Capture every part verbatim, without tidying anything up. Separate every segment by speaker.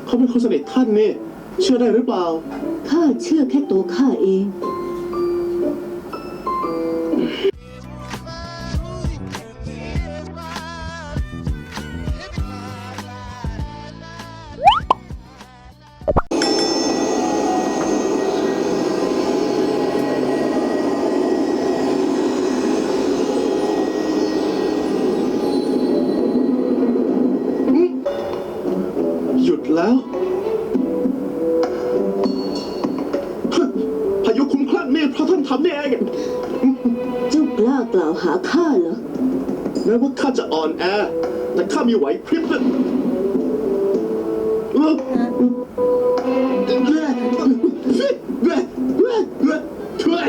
Speaker 1: เขาเป็นคนสนิทท่านนี่เชื่อได้หรือเปล่า
Speaker 2: ข้าเชื่อแค่ตัวข้าเอง
Speaker 1: หยุดแล้วพายุคุ้มคลั่งนี่เพราะท่านทำนี่เอง
Speaker 2: เจ้ากล้ากล่าวหาข้าเหรอ
Speaker 1: แม้ว่าข้าจะอ่อนแอแต่ข้ามีไหวพริบนะเออช่วย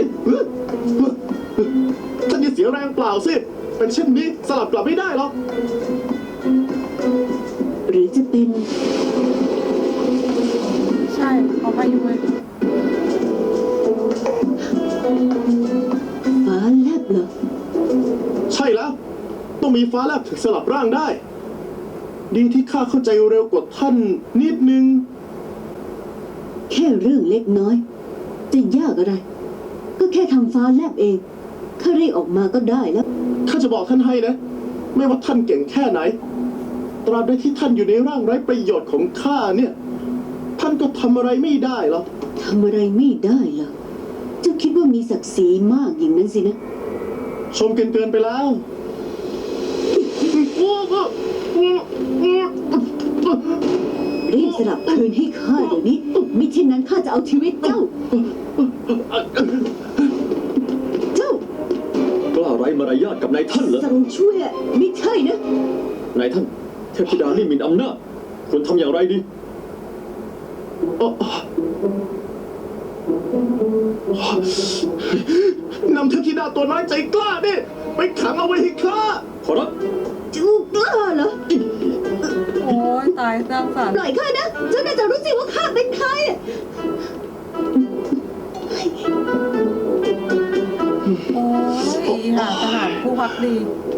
Speaker 1: ท่านอย่าเสียแรงเปล่าสิเป็นเช่นนี้สลับกลับไม่ได้หรอก
Speaker 2: หรือจะเป็น
Speaker 3: ใช่เขาพายุเลย
Speaker 2: ฟ้าแลบเหรอ
Speaker 1: ใช่แล้วต้องมีฟ้าแลบถึงสลับร่างได้ดีที่ข้าเข้าใจเร็วกว่าท่านนิดนึง
Speaker 2: แค่เรื่องเล็กน้อยจะยากอะไรก็แค่ทำฟ้าแลบเองข้าเรียกออกมาก็ได้แล้ว
Speaker 1: ข้าจะบอกท่านให้นะไม่ว่าท่านเก่งแค่ไหนตราบใดที่ท่านอยู่ในร่างไร้ประโยชน์ของข้าเนี่ยท่านก็ทำอะไรไม่ได้หรอก
Speaker 2: ทำอะไรไม่ได้หรอเจ้าคิดว่ามีศักดิ์ศรีมากอย่างนั้นสินะ
Speaker 1: ชมเกินเกินไปแล้ว
Speaker 2: รีบสลับคืนให้ข้าเดี๋ยวนี้มิเช่นนั้นข้าจะเอาชีวิตเจ้าเจ้าก
Speaker 4: ล้าไร้มารยาทกับนายท่านเหรอ
Speaker 2: สั่งช่วยไม่ใช่นะ
Speaker 4: นายท่านเทพธิดานี่หมิ่นอำนาจควรทำอย่างไรดี
Speaker 1: นำเทพธิดาตัวน้อยใจกล้าดิไปขังเอาไว้ให้ข้า
Speaker 4: ขอรับ
Speaker 2: เจ้ากล้าเหรอ
Speaker 3: โอ้ยตายสร้างสรรค์
Speaker 2: ปล่อยข้านะเจ้าน่าจะรู้สิว่าข้าเป็นใคร
Speaker 3: โอ้ยหาทหารผู้พักดี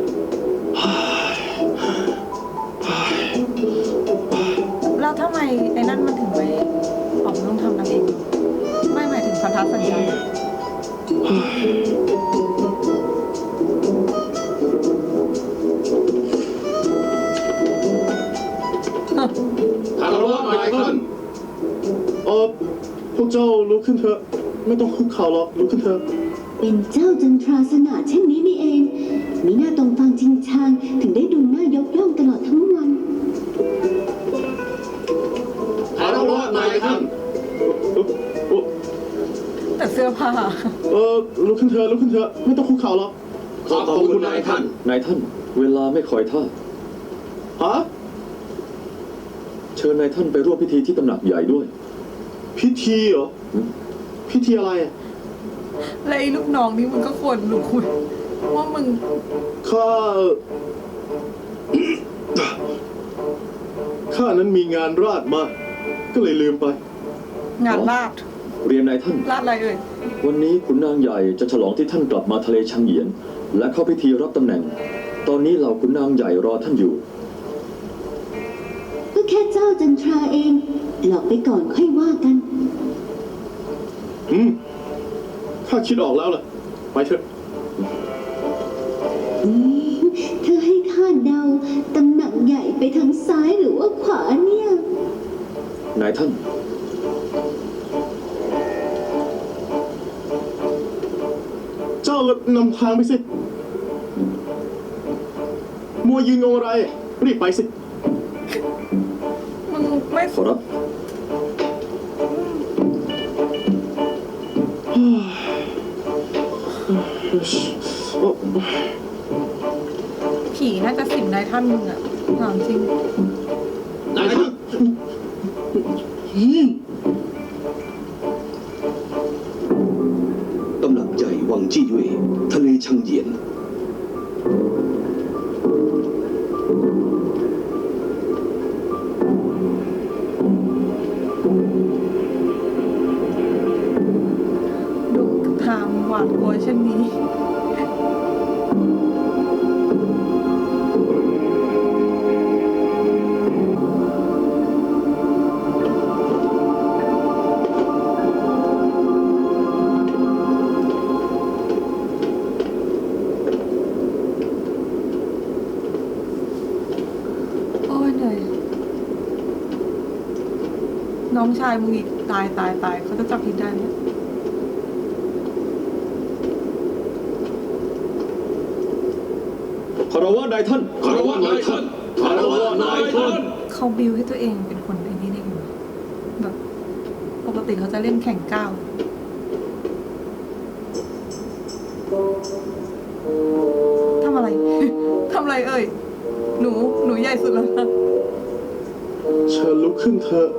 Speaker 3: แล้วทำไมไอ้นั่นมันถึงไปออกต้องทำนางเองไม่หมายถึงพันธสัญญา
Speaker 1: คารวะนายท่านเออพวกเจ้าลุกขึ้นเถอะไม่ต้องคุกเข่าหรอกลุกขึ้นเถอะ
Speaker 2: เป็นเจ้าจันทราสง่าเช่นนี้นี่เองมีหน้าตรงฟังจริงชางถึงได้ดูหน้ายกย่องตลอดทั้งวัน
Speaker 1: คารวะนายท่าน
Speaker 3: แต่เสื้อผ้า
Speaker 1: เออลุกขึ้นเถอะลุกขึ้นเถอะไม่ต้องคุกเข่าหรอก
Speaker 4: ขอบคุณนายท่านนายท่านเวลาไม่คอยท่า
Speaker 1: ฮะ
Speaker 4: เชิญนายท่านไปร่วมพิธีที่ตำหนักใหญ่ด้วย
Speaker 1: พิธีเหรอพิธีอะไรอ่ะ
Speaker 3: แล้วไอ้ลูกน้องนี่มันก็ควรรู้ว่ามึง
Speaker 1: ข้าข้านั้นมีงานราชมาก็เลยลืมไป
Speaker 3: งานราช
Speaker 4: เรียนนายท่าน
Speaker 3: ราชอะไรเอ่ย
Speaker 4: วันนี้ขุนนางใหญ่จะฉลองที่ท่านกลับมาทะเลชังเหยียนและเข้าพิธีรับตำแหน่งตอนนี้เหล่าขุนนางใหญ่รอท่านอยู่
Speaker 2: ก็แค่เจ้าจันทราเองหลอกไปก่อนค่อยว่ากัน
Speaker 1: อืมข้าคิดออกแล้วล่ะไปเถอะ
Speaker 2: เธอให้ข้าเดาตำแหน่งใหญ่ไปทางซ้ายหรือว่าขวาเนี่ย
Speaker 4: นายท่าน
Speaker 1: เจ้านำทางไปสิมัวยืนงงอะไรรีบไปสิ
Speaker 3: มึงไม่
Speaker 4: ขอรับ
Speaker 3: ผีน่าจะสิงนายท่านมึงอะถามจริง
Speaker 1: นายท่าน
Speaker 5: ตำหนักใหญ่วังจี้เว่ยทะเลชังเหยียน
Speaker 3: ดูทางหวาดกลัวเช่นนี้น้องชายมึงอีกตายตายตายเขาจะจับผิดได้เนี่ย
Speaker 4: คารวะนายท่าน
Speaker 5: คารวะนายท่านคารวะนายท่าน
Speaker 3: เขาบิวให้ตัวเองเป็นคนไอ้นี่ได้ยังไงแบบปกติเขาจะเล่นแข่งก้าวทำอะไร ทำอะไรเอ่ย หนู หนูใหญ่สุดแล้วนะ
Speaker 1: เชิญลุกขึ้นเถอะ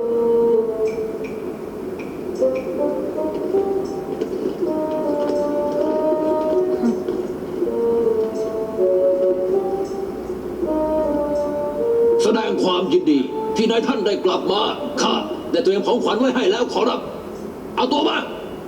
Speaker 5: แสดงความยินดีที่นายท่านได้กลับมาข้าได้เตรียมของขวัญไว้ให้แล้วขอรับ เอาตัวมา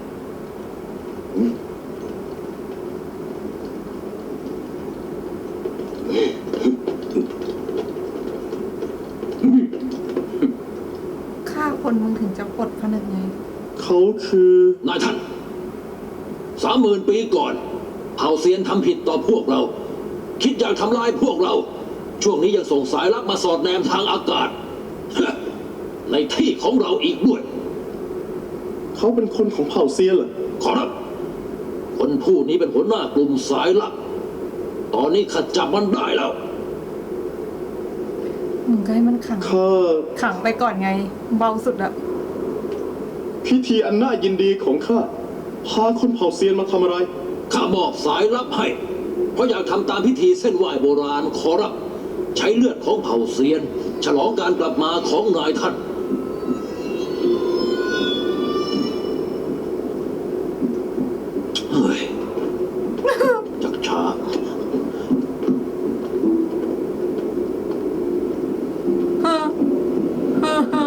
Speaker 3: ฆ่าคนมึงถึงจะปลดผนึกไง
Speaker 1: เขาคือ
Speaker 5: นายท่านสามหมื่นปีก่อนเผ่าเซียนทำผิดต่อพวกเรา คิดอยากทำลายพวกเรา ช่วงนี้ยังส่งสายลับมาสอดแนมทางอากาศ ในที่ของเราอีกด้วย
Speaker 1: เขาเป็นคนของเผ่าเซียนเหรอ
Speaker 5: ขอรับ คนผู้นี้เป็นหัวหน้ากลุ่มสายลับ ตอนนี้ข้าจับมันได้แล้ว
Speaker 3: มึงก็ให้มันขัง
Speaker 1: ข้า
Speaker 3: ขังไปก่อนไง เบาสุดอะ
Speaker 1: พิธีอันน่ายินดีของข้า พาคนเผ่าเซียนมาทำอะไร
Speaker 5: ข้ามอบสายลับให้ เพราะอยากทำตามพิธีเส้นไหว้โบราณขอรับ ใช้เลือดของเผ่าเซียน ฉลองการกลับมาของนายท่าน เฮ้ย จักช้า
Speaker 3: ฮะฮะฮะ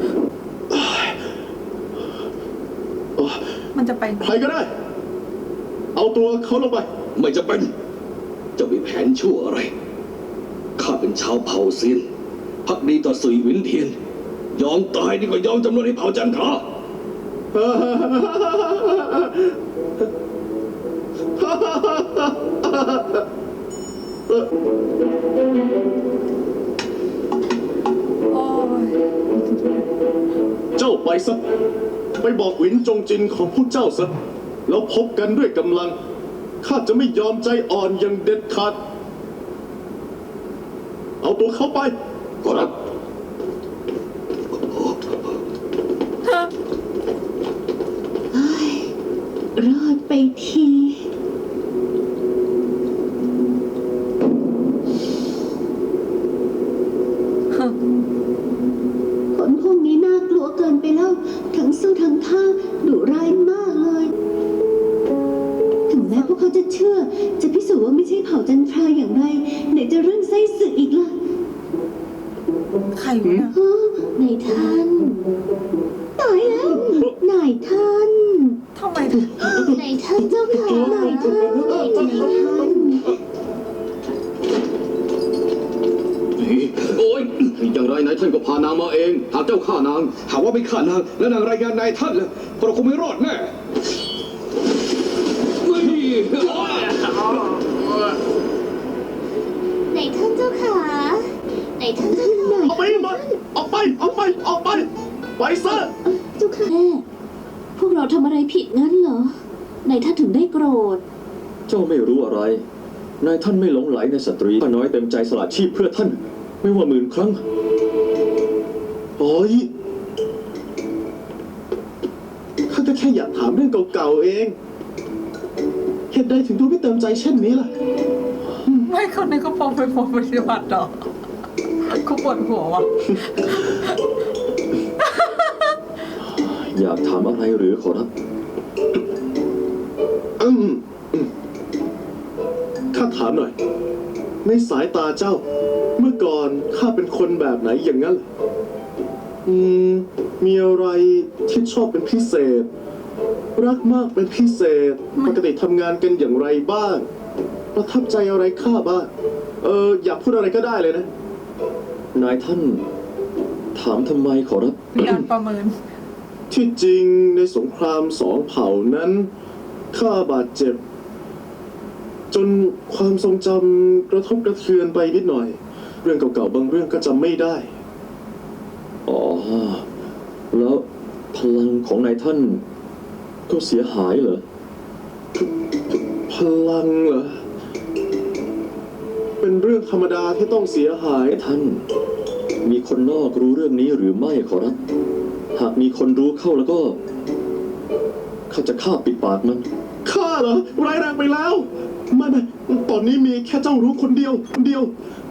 Speaker 3: มันจะไป
Speaker 1: ใครก็ได้ เอาตัวเขาลงไป
Speaker 5: ไม่จะเป็น จะมีแผนชั่วอะไร ข้าเป็นชาวเผ่าเซียน พักดีต่อสุยหวินเทียน ยอมตายดีกว่ายอมจำนวนให้เผ่าจันทรา
Speaker 3: โอ้ย
Speaker 1: เจ้าไปซะ ไปบอกหวินจงจินของพวกเจ้าซะ แล้วพบกันด้วยกำลัง ข้าจะไม่ยอมใจอ่อนอย่างเด็ดขาด เอาตัวเขาไป
Speaker 5: ขอรับ
Speaker 2: รอดไปที คนพวกนี้น่ากลัวเกินไปแล้ว ทั้งสู้ทั้งฆ่าดุร้ายมากเลย ถึงแม้พวกเขาจะเชื่อ จะพิสูจน์ว่าไม่ใช่เผ่าจันทราอย่างไร ไหนจะเรื่องไส้ศึกอีกล่ะ
Speaker 3: ใครวะเนี่ย
Speaker 2: ฮะนายท่าน ตายแล้วนายท่าน
Speaker 3: ทำไม
Speaker 2: นายท่านเจ้าค่ะนายท่านนายท่าน
Speaker 5: โอ้ย
Speaker 6: อย่างไรนายท่านก็พานางมาเอง หากเจ้าฆ่านาง หากว่าไม่ฆ่านาง แล้วนางรายงานนายท่านแล้วเราคงไม่รอดแน่
Speaker 2: นายท่านเจ้าค่ะนายท่านเจ้าค่ะ
Speaker 1: เอาไปหมดออกไป ออกไป ออกไป ไปซะ
Speaker 2: เจ้าค่ะแม่พวกเราทำอะไรผิดงั้นเหรอ นายท่านถึงได้โกรธ
Speaker 4: เจ้าไม่รู้อะไร นายท่านไม่หลงไหลในสตรีข้าน้อยเต็มใจสละชีพเพื่อท่าน ไม่ว่าหมื่นครั้ง
Speaker 1: โอ้ยข้าก็แค่อยากถามเรื่องเก่าๆเอง เหตุใดถึงดูไม่เต็มใจเช่นนี้ล่ะ
Speaker 3: ไม่คนในเขาพอไปพอปฏิบัติหรอเขาปวดหัววะ
Speaker 4: อยากถามอะไรหรือขอรับ
Speaker 1: อืมอืมข้าถามหน่อย ในสายตาเจ้า เมื่อก่อนข้าเป็นคนแบบไหนอย่างนั้นเหรออืม มีอะไรที่ชอบเป็นพิเศษ รักมากเป็นพิเศษ ปกติทำงานกันอย่างไรบ้าง ประทับใจอะไรข้าบ้าง เออ อยากพูดอะไรก็ได้เลยนะ
Speaker 4: นายท่าน ถามทำไมขอรับ
Speaker 3: มีการประเมิน
Speaker 1: ที่จริงในสงครามสองเผ่านั้นข้าบาดเจ็บ จนความทรงจำกระทบกระเทือนไปนิดหน่อย เรื่องเก่าๆบางเรื่องก็จำไม่ได้
Speaker 4: อ๋อแล้วพลังของนายท่านก็เสียหายเหรอ
Speaker 1: พลังเหรอ เป็นเรื่องธรรมดาที่ต้องเสียหาย
Speaker 4: นายท่าน มีคนนอกรู้เรื่องนี้หรือไม่ขอรับ หากมีคนรู้เข้าแล้วก็ข้าจะฆ่าปิดปากมัน
Speaker 1: ข้าเหรอร้ายแรงไปแล้ว ไม่ไม่ตอนนี้มีแค่เจ้ารู้คนเดียวคนเดียว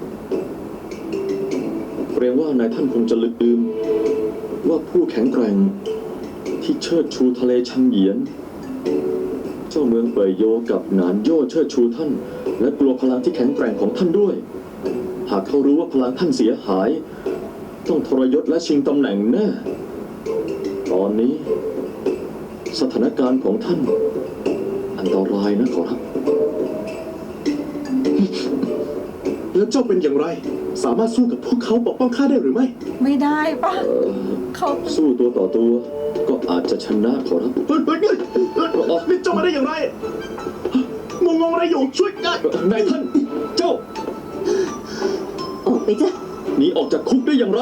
Speaker 4: เกรงว่านายท่านคงจะลืมว่าผู้แข็งแกร่งที่เชิดชูทะเลชังเหยียน เจ้าเมืองเป่ยโยกับหนานโย่เชิดชูท่าน และกลัวพลังที่แข็งแกร่งของท่านด้วย หากเขารู้ว่าพลังท่านเสียหาย ต้องทรยศและชิงตำแหน่งแน่ตอนนี้ สถานการณ์ของท่าน อันตรายนะขอรับ
Speaker 1: แล้วเจ้าเป็นอย่างไร สามารถสู้กับพวกเขาปกป้องข้าได้หรือไม่
Speaker 3: ไม่ได้ปะเขา
Speaker 4: สู้ตัวต่อตัว ก็อาจจะชนะขอรับ
Speaker 1: เฮ้ยเฮ้ยเฮ้ยเฮ้ยนี่เจ้ามาได้อย่างไร งงงอะไรอยู่ช่วยได้
Speaker 4: นายท่าน เจ้า
Speaker 2: ออกไปจ้ะ
Speaker 4: หนีออกจากคุกได้อย่างไร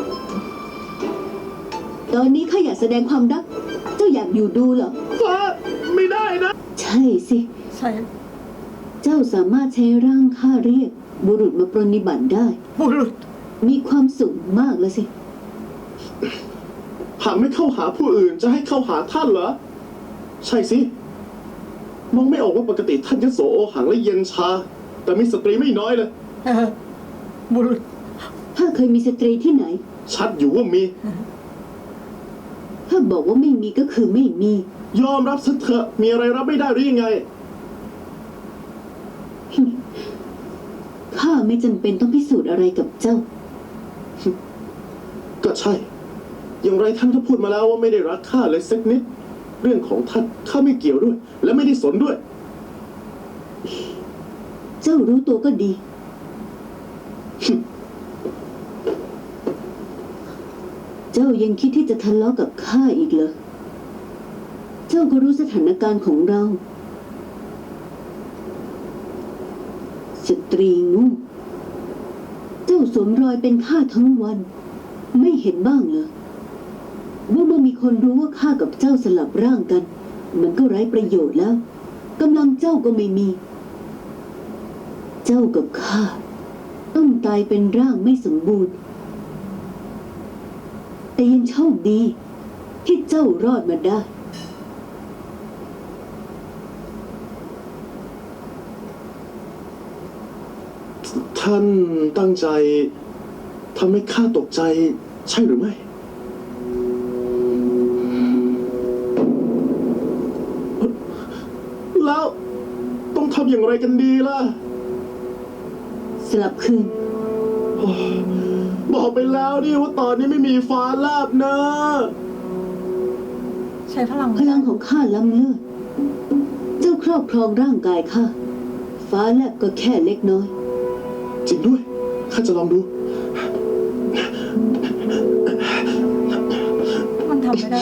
Speaker 2: ตอนนี้ข้าอยากแสดงความรัก เจ้าอยากอยู่ดูเหรอ
Speaker 1: ฟ้าไม่ได้นะ
Speaker 2: ใช่สิ
Speaker 3: ใช่
Speaker 2: เจ้าสามารถใช้ร่างข้าเรียก บุรุษมาปรนนิบัติได้
Speaker 3: บุรุษ
Speaker 2: มีความสุขมากเลยสิ
Speaker 1: หากไม่เข้าหาผู้อื่นจะให้เข้าหาท่านเหรอ ใช่สิ มองไม่ออกว่าปกติท่านยโสโอหังและเย็นชา แต่มีสตรีไม่น้อยเลย
Speaker 3: เออบุรุษ
Speaker 2: ถ้าเคยมีสตรีที่ไหน
Speaker 1: ชัดอยู่ว่ามี
Speaker 2: ถ้าบอกว่าไม่มีก็คือไม่มี
Speaker 1: ยอมรับซะเถอะ มีอะไรรับไม่ได้หรือยังไง
Speaker 2: ข้าไม่จำเป็นต้องพิสูจน์อะไรกับเจ้า
Speaker 1: ก็ใช่ อย่างไรท่านก็พูดมาแล้วว่าไม่ได้รักข้าเลยสักนิด เรื่องของท่านข้าไม่เกี่ยวด้วย และไม่ได้สนด้วย
Speaker 2: เจ้ารู้ตัวก็ดี เจ้ายังคิดที่จะทะเลาะกับข้าอีกเหรอ เจ้าก็รู้สถานการณ์ของเรา สตรีงูเจ้าสวมรอยเป็นข้าทั้งวัน ไม่เห็นบ้างเหรอว่าเมื่อมีคนรู้ว่าข้ากับเจ้าสลับร่างกัน มันก็ไร้ประโยชน์แล้วกำลังเจ้าก็ไม่มี เจ้ากับข้าต้องตายเป็นร่างไม่สมบูรณ์ แต่ยังโชคดี ที่เจ้ารอดมาได้
Speaker 1: ท่านตั้งใจทำให้ข้าตกใจใช่หรือไม่ แล้วต้องทำอย่างไรกันดีล่ะ
Speaker 2: สลับคืน
Speaker 1: บอกไปแล้วนี่ว่าตอนนี้ไม่มีฟ้าแลบนะ
Speaker 3: ใช้พลัง
Speaker 2: พลังของข้าล้ำเลิศเจ้าครอบครองร่างกายข้า ฟ้าแลบก็แค่เล็กน้อย
Speaker 1: จริงด้วย ข้าจะลองดู
Speaker 3: มันทำไม่ได้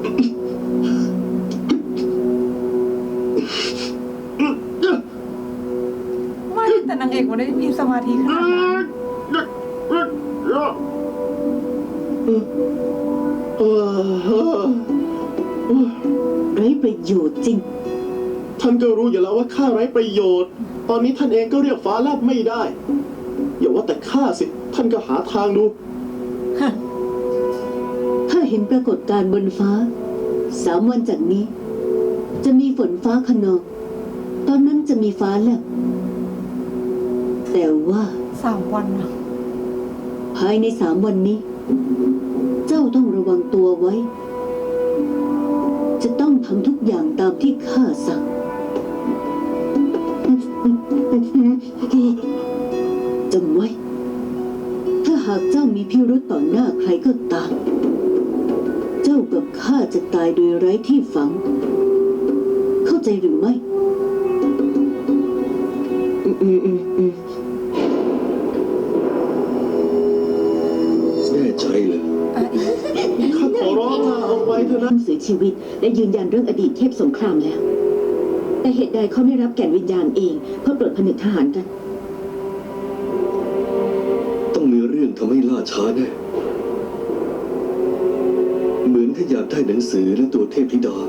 Speaker 3: ไม่แต่นางเอกมันได้มีสมาธิขนาดนั้น
Speaker 1: เออ
Speaker 2: ไร้ประโยชน์จริง
Speaker 1: ท่านก็รู้อยู่แล้วว่าข้าไร้ประโยชน์ ตอนนี้ท่านเองก็เรียกฟ้าแลบไม่ได้ อย่าว่าแต่ข้าสิ ท่านก็หาทางดู
Speaker 2: ถ้าเห็นปรากฏการณ์บนฟ้า สามวันจากนี้ จะมีฝนฟ้าขนอง ตอนนั้นจะมีฟ้าแลบ แต่ว่า
Speaker 3: สามวันอะ
Speaker 2: ภายในสามวันนี้ เจ้าต้องระวังตัวไว้ จะต้องทำทุกอย่างตามที่ข้าสั่ง จำไว้ ถ้าหากเจ้ามีพิรุธต่อหน้าใครก็ตาม เจ้ากับข้าจะตายโดยไร้ที่ฝัง เข้าใจหรือไม่
Speaker 1: อืมอืมอืมอืม
Speaker 6: แน่ใจเลย
Speaker 3: อ่ะอีก
Speaker 1: ข้าขอร้องละเอาไว้เถอะนะ
Speaker 7: เสียชีวิตและยืนยันเรื่องอดีตเทพสงครามแล้ว แต่เหตุใดเขาไม่รับแก่นวิญญาณเองเพื่อปลดผนึกทหารกัน
Speaker 6: ต้องมีเรื่องทำให้ล่าช้าแน่ เมถ้าอยากได้หนังสือและตัวเทพธิดา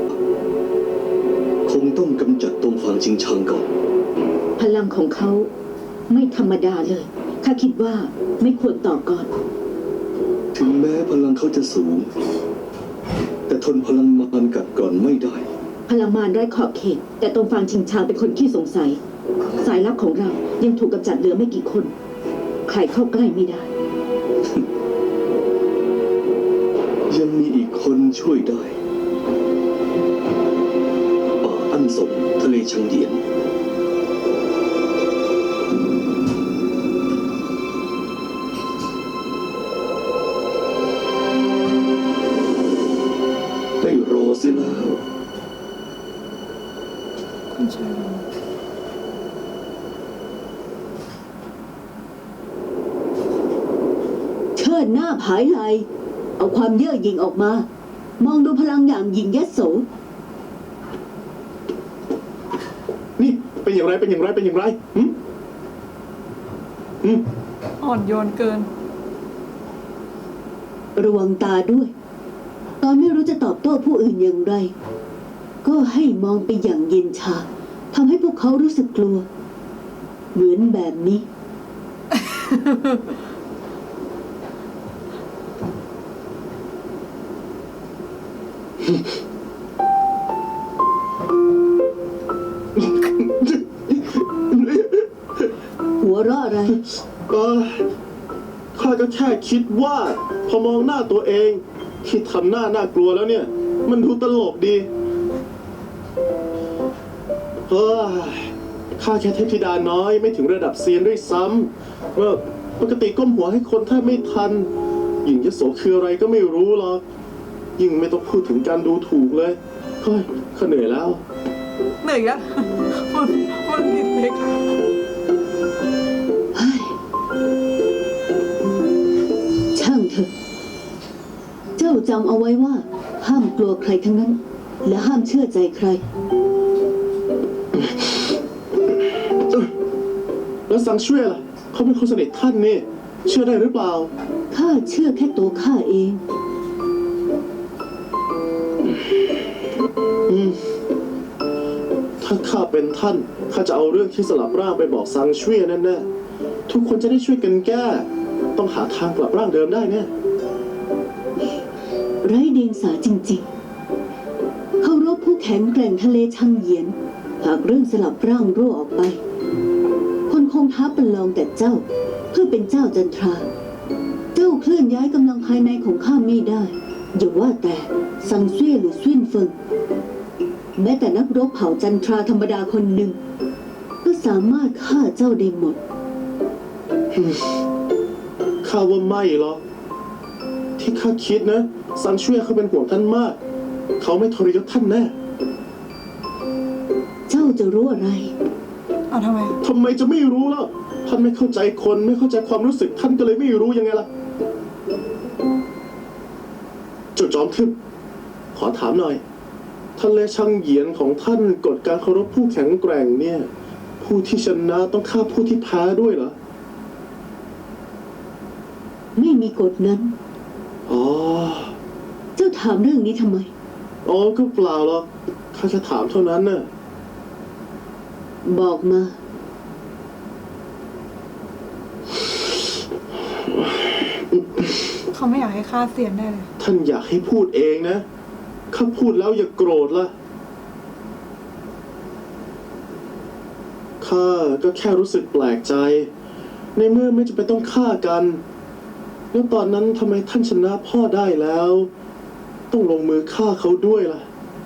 Speaker 6: คงต้องกำจัดตรงฟางชิงชังก่อน
Speaker 7: พลังของเขาไม่ธรรมดาเลย ข้าคิดว่าไม่ควรต่อก่อน
Speaker 6: ถึงแม้พลังเขาจะสูง แต่ทนพลังมารกัดกร่อนไม่ได้
Speaker 7: พลังมารไร้ขอบเขต แต่ตรงฟางชิงชางเป็นคนขี้สงสัย สายลับของเรายังถูกกำจัดเหลือไม่กี่คน ใครเข้าใกล้ไม่ได้
Speaker 6: ยังมีอีกคนช่วยได้ ป่าอั้นสงทะเลชังเยียน ได้รอเสียแล้ว
Speaker 3: คุณชาย
Speaker 2: เชิดหน้าผายไหลเอาความเย่อหยิ่งออกมา มองดูพลังอย่างหยิ่งยโส
Speaker 1: นี่เป็นอย่างไรเป็นอย่างไรเป็นอย่างไรหืมหืม
Speaker 3: อ่อนโยนเกิน
Speaker 2: ระวังตาด้วย ตอนไม่รู้จะตอบโต้ผู้อื่นอย่างไร ก็ให้มองไปอย่างเย็นชาทำให้พวกเขารู้สึกกลัว เหมือนแบบนี้ หัวเราะอะไร
Speaker 1: เออข้าก็แค่คิดว่า พอมองหน้าตัวเองที่ทำหน้าน่ากลัวแล้วเนี่ย มันดูตลกดีเฮ้ยข้าแค่เทพธิดาน้อยไม่ถึงระดับเซียนด้วยซ้ำเมื่อปกติก้มหัวให้คนแทบไม่ทันหญิงยโสคืออะไรก็ไม่รู้หรอกยิ่งไม่ต้องพูดถึงการดูถูกเลยเฮ้ยข้าเหนื่อยแล้ว
Speaker 3: เหนื่อยอะมันมันผิดเล็ก
Speaker 2: ช่างเถอะ เจ้าจำเอาไว้ว่า ห้ามกลัวใครทั้งนั้น และห้ามเชื่อใจใคร
Speaker 1: แล้วซังช่วยล่ะเขาเป็นคนสนิทท่านนี่เชื่อได้หรือเปล่า
Speaker 2: ข้าเชื่อแค่ตัวข้าเอง
Speaker 1: อืมถ้าข้าเป็นท่านข้าจะเอาเรื่องที่สลับร่างไปบอกซังช่วยแน่ๆทุกคนจะได้ช่วยกันแก้ ต้องหาทางกลับร่างเดิมได้แน่
Speaker 2: ไร้เดียงสาจริงๆ เขารบผู้แข็งแกร่งทะเลชังเหยียน หากเรื่องสลับร่างรั่วออกไป คนคงท้าประลองแต่เจ้า เพื่อเป็นเจ้าจันทรา เจ้าเคลื่อนย้ายกำลังภายในของข้าไม่ได้ อย่าว่าแต่ซังเซี่ยหรือซุ่นเฟิง แม้แต่นักรบเผ่าจันทราธรรมดาคนหนึ่ง ก็สามารถฆ่าเจ้าได้หมด
Speaker 1: ข้าว่าไม่หรอกที่ข้าคิดนะซังช่วยเขาเป็นห่วงท่านมาก เขาไม่ทรยศท่านแน่
Speaker 2: เจ้าจะรู้อะไร
Speaker 3: เอาทำไม
Speaker 1: ทำไมจะไม่รู้ล่ะท่านไม่เข้าใจคนไม่เข้าใจความรู้สึกท่านก็เลยไม่รู้ยังไงล่ะเจ้าจอมทึบขอถามหน่อยทะเลชังเหยียนของท่านกฎการเคารพผู้แข็งแกร่งเนี่ย ผู้ที่ชนะต้องฆ่าผู้ที่แพ้ด้วยเหรอ
Speaker 2: ไม่มีกฎนั้น
Speaker 1: อ๋อ
Speaker 2: เจ้าถามเรื่องนี้ทำไม
Speaker 1: อ๋อก็เปล่าหรอกข้าจะถามเท่านั้นน่ะ
Speaker 2: บอกมา
Speaker 3: เขาไม่อยากให้ฆ่าเซียนได้เลย
Speaker 1: ท่านอยากให้พูดเองนะข้าพูดแล้วอย่าโกรธล่ะข้าก็แค่รู้สึกแปลกใจ ในเมื่อไม่จำเป็นต้องฆ่ากัน แล้วตอนนั้นทำไมท่านชนะพ่อได้แล้ว ต้องลงมือฆ่าเขาด้วยล่ะ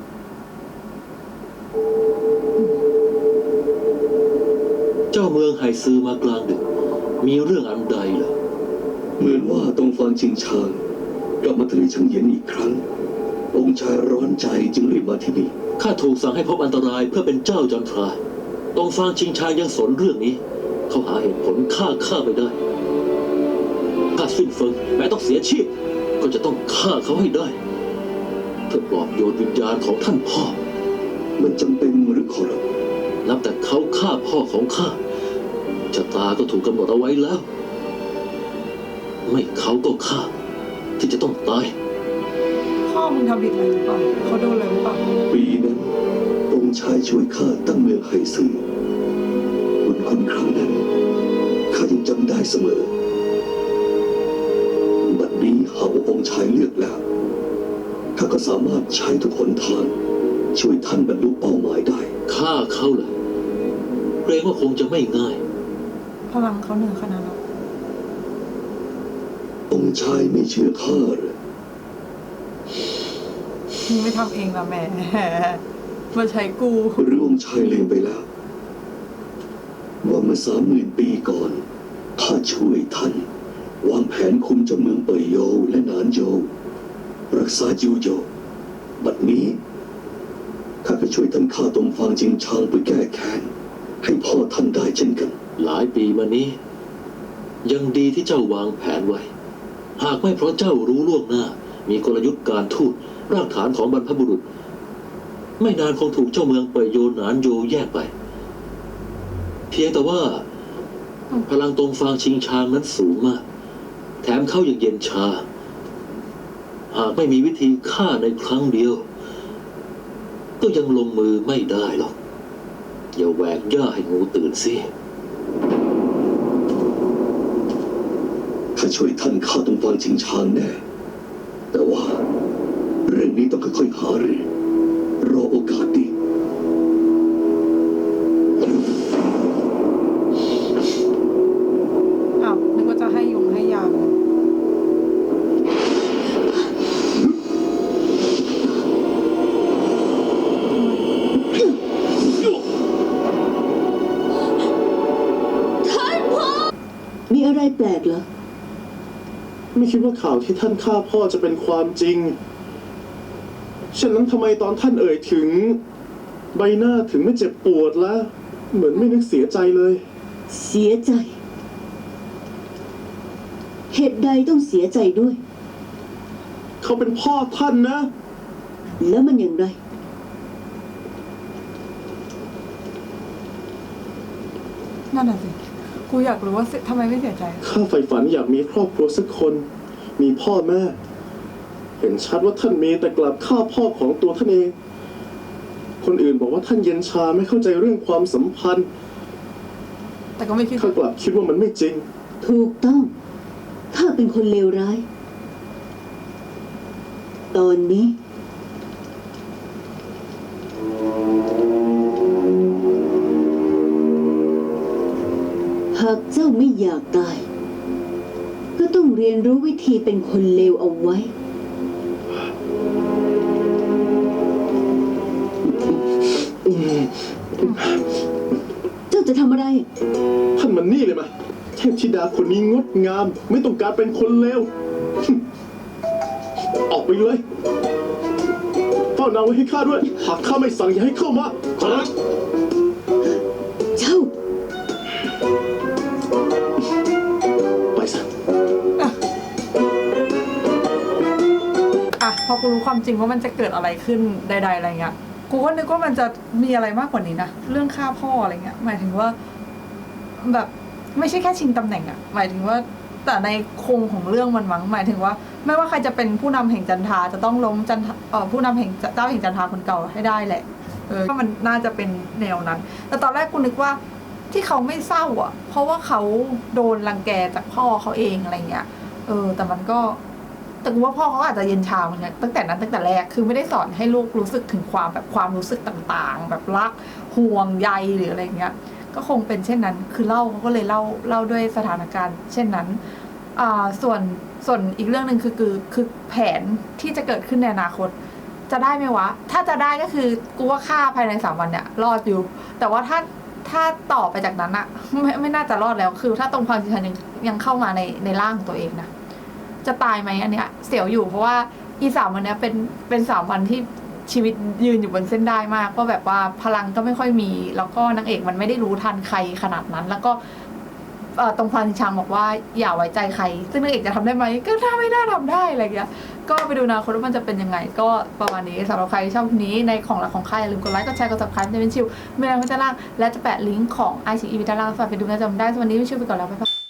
Speaker 5: เจ้าเมืองไห่ซือมากลางดึก มีเรื่องอันใดเหรอ
Speaker 6: เหมือนว่าตรงฟางชิงชางกลับมาทะเลชังเยียนอีกครั้ง องค์ชายร้อนใจจึงรีบมาที่นี่
Speaker 5: ข้าถูกสั่งให้พบอันตรายเพื่อเป็นเจ้าจันทราตองฟางชิงชายยังสนเรื่องนี้ เขาหาเหตุผลฆ่าข้าไปได้ข้าสิ้นเฟิงแม้ต้องเสียชีพ ก็จะต้องฆ่าเขาให้ได้เพื่อปลอบโยนวิญญาณของท่านพ่อ
Speaker 6: มันจำเป็นหรือขอรับ
Speaker 5: นับแต่เขาฆ่าพ่อของข้าชะตาก็ถูกกำหนดเอาไว้แล้ว ไม่เขาก็ข้าที่จะต้องตาย
Speaker 3: พ่อมึงทำผิดอะไรหรือเปล่าเขาโดนอะไรหรือเปล่า
Speaker 6: ปีนั้นองค์ชายช่วยข้าตั้งเมืองไห่ซื่อบุญคุณครั้งนั้นข้ายังจำได้เสมอบัดนี้หากว่าองค์ชายเลือกแล้วข้าก็สามารถใช้ทุกหนทางช่วยท่านบรรลุเป้าหมายได้
Speaker 5: ฆ่าเขาเหรอเกรงว่าคงจะไม่ง่าย
Speaker 3: พลังเขาเหนือขนาดนั้น
Speaker 6: องค์ชายไม่เชื่อข้าเหรอ
Speaker 3: มึงไม่ทำเองนะแม่ มาใช้กู
Speaker 6: หรือองค์ชายลืมไปแล้ว ว่าเมื่อสามหมื่นปีก่อนข้าช่วยท่านวางแผนคุมเจ้าเมืองเปยโยวและหนานโยวรักษาจิวโยวบัดนี้ข้าก็ช่วยท่านฆ่าตงฟางจิงชางไปแก้แค้นให้พ่อท่านได้เช่นกัน
Speaker 5: หลายปีมานี้ ยังดีที่เจ้าวางแผนไว้ หากไม่เพราะเจ้ารู้ล่วงหน้า มีกลยุทธ์การทูตรากฐานของบรรพบุรุษ ไม่นานคงถูกเจ้าเมืองเปยโยหนานโยแยกไป เพียงแต่ว่าพลังตงฟางชิงชางนั้นสูงมาก แถมเขายังเย็นชา หากไม่มีวิธีฆ่าในครั้งเดียว ก็ยังลงมือไม่ได้หรอก อย่าแหวกย่าให้งูตื่นสิ
Speaker 6: ข้าช่วยท่านฆ่าตงฟางชิงชางแน่ แต่ว่าเรื่องนี้ต้องค่อยๆหารือรอโอกาสดี
Speaker 3: อ้าวนึกว่าจะให้ยงให้ยา
Speaker 2: มีอะไรแปลกเหรอ
Speaker 1: ไม่คิดว่าข่าวที่ท่านฆ่าพ่อจะเป็นความจริง ฉะนั้นทำไมตอนท่านเอ่ยถึง ใบหน้าถึงไม่เจ็บปวดละเหมือนไม่นึกเสียใจเลย
Speaker 2: เสียใจ เหตุใดต้องเสียใจด้วย
Speaker 1: เขาเป็นพ่อท่านนะ
Speaker 2: แล้วมันอย่างไร
Speaker 3: นั่นน่ะสิ กูอยากรู้ว่าทำไมไม่เสียใจ
Speaker 1: ข้าใฝ่ฝันอยากมีครอบครัวสักคน มีพ่อแม่ เห็นชัดว่าท่านมีแต่กลับฆ่าพ่อของตัวท่านเอง คนอื่นบอกว่าท่านเย็นชาไม่เข้าใจเรื่องความสัมพันธ์
Speaker 3: แต่ก็ไม่คิด
Speaker 1: ข้ากลับคิดว่ามันไม่จริง
Speaker 2: ถูกต้อง ข้าเป็นคนเลวร้าย ตอนนี้ หากเจ้าไม่อยากตาย ก็ต้องเรียนรู้วิธีเป็นคนเลวเอาไว้ เจ้าจะทำอะไร
Speaker 1: ท่านมันนี่เลยมาเทพธิดาคนนี้งดงาม ไม่ต้องการเป็นคนเลว ออกไปเลยเฝ้านางไว้ให้ข้าด้วย หากข้าไม่สั่งอย่าให้เข้ามาขอรับ
Speaker 2: เจ้า
Speaker 1: ไปซะ
Speaker 3: อ่ะพอกูรู้ความจริงว่ามันจะเกิดอะไรขึ้นใดๆอะไรเงี้ย กูก็นึกว่ามันจะมีอะไรมากกว่านี้นะ เรื่องฆ่าพ่ออะไรเงี้ย หมายถึงว่า แบบไม่ใช่แค่ชิงตำแหน่งอะหมายถึงว่าแต่ในโครงของเรื่องมันมั้งหมายถึงว่า ไม่ว่าใครจะเป็นผู้นำแห่งจันทราจะต้องล้มจันทราเอ่อผู้นำแห่งเจ้าแห่งจันทราคนเก่าให้ได้แหละ เออก็มันน่าจะเป็นแนวนั้น แต่ตอนแรกกูนึกว่าที่เขาไม่เศร้าอ่ะ เพราะว่าเขาโดนรังแกจากพ่อเขาเองอะไรเงี้ย เออ แต่มันก็ แต่กูว่าพ่อเขาอาจจะเย็นชาเหมือนกันตั้งแต่นั้นตั้งแต่แรกคือไม่ได้สอนให้ลูกรู้สึกถึงความแบบความรู้สึกต่างๆ แบบรักห่วงใยหรืออะไรเงี้ย ก็คงเป็นเช่นนั้น คือเล่าเขาก็เลยเล่าเล่าด้วยสถานการณ์ เช่นนั้น อ่าส่วนส่วนอีกเรื่องหนึ่งคือคือคือแผนที่จะเกิดขึ้นในอนาคต จะได้ไหมวะ ถ้าจะได้ก็คือกูว่าฆ่าภายในสามวันเนี่ยรอดอยู่ แต่ว่าถ้าถ้าต่อไปจากนั้นอะไม่ไม่น่าจะรอดแล้ว คือถ้าตรงความจริงยังยังเข้ามาในในร่างของตัวเองนะ จะตายไหมอันเนี้ยเสียวอยู่เพราะว่าอีสามวันเนี้ยเป็นเป็นสามวันที่ชีวิตยืนอยู่บนเส้นได้มากก็แบบว่าพลังก็ไม่ค่อยมี แล้วก็นางเอกมันไม่ได้รู้ทันใครขนาดนั้น แล้วก็ตรงพลันชางบอกว่าอย่าไว้ใจใคร ซึ่งนางเอกจะทำได้ไหมก็ถ้าไม่น่าทำได้อะไรอย่างเงี้ยก็ไปดูนะคนว่ามันจะเป็นยังไง ก็ประมาณนี้สำหรับใครชอบคลิปนี้ในของรักของใครอย่าลืมกดไลค์กดแชร์กด ซับสไครบ์ จะเป็นชิวเมลด้านล่างและจะแปะลิงก์ของ ไอ ซี อี ไว้ด้านล่างฝากไปดูนะจำได้สวัสดีไม่ชิวไปก่อนแล้วบ๊ายบาย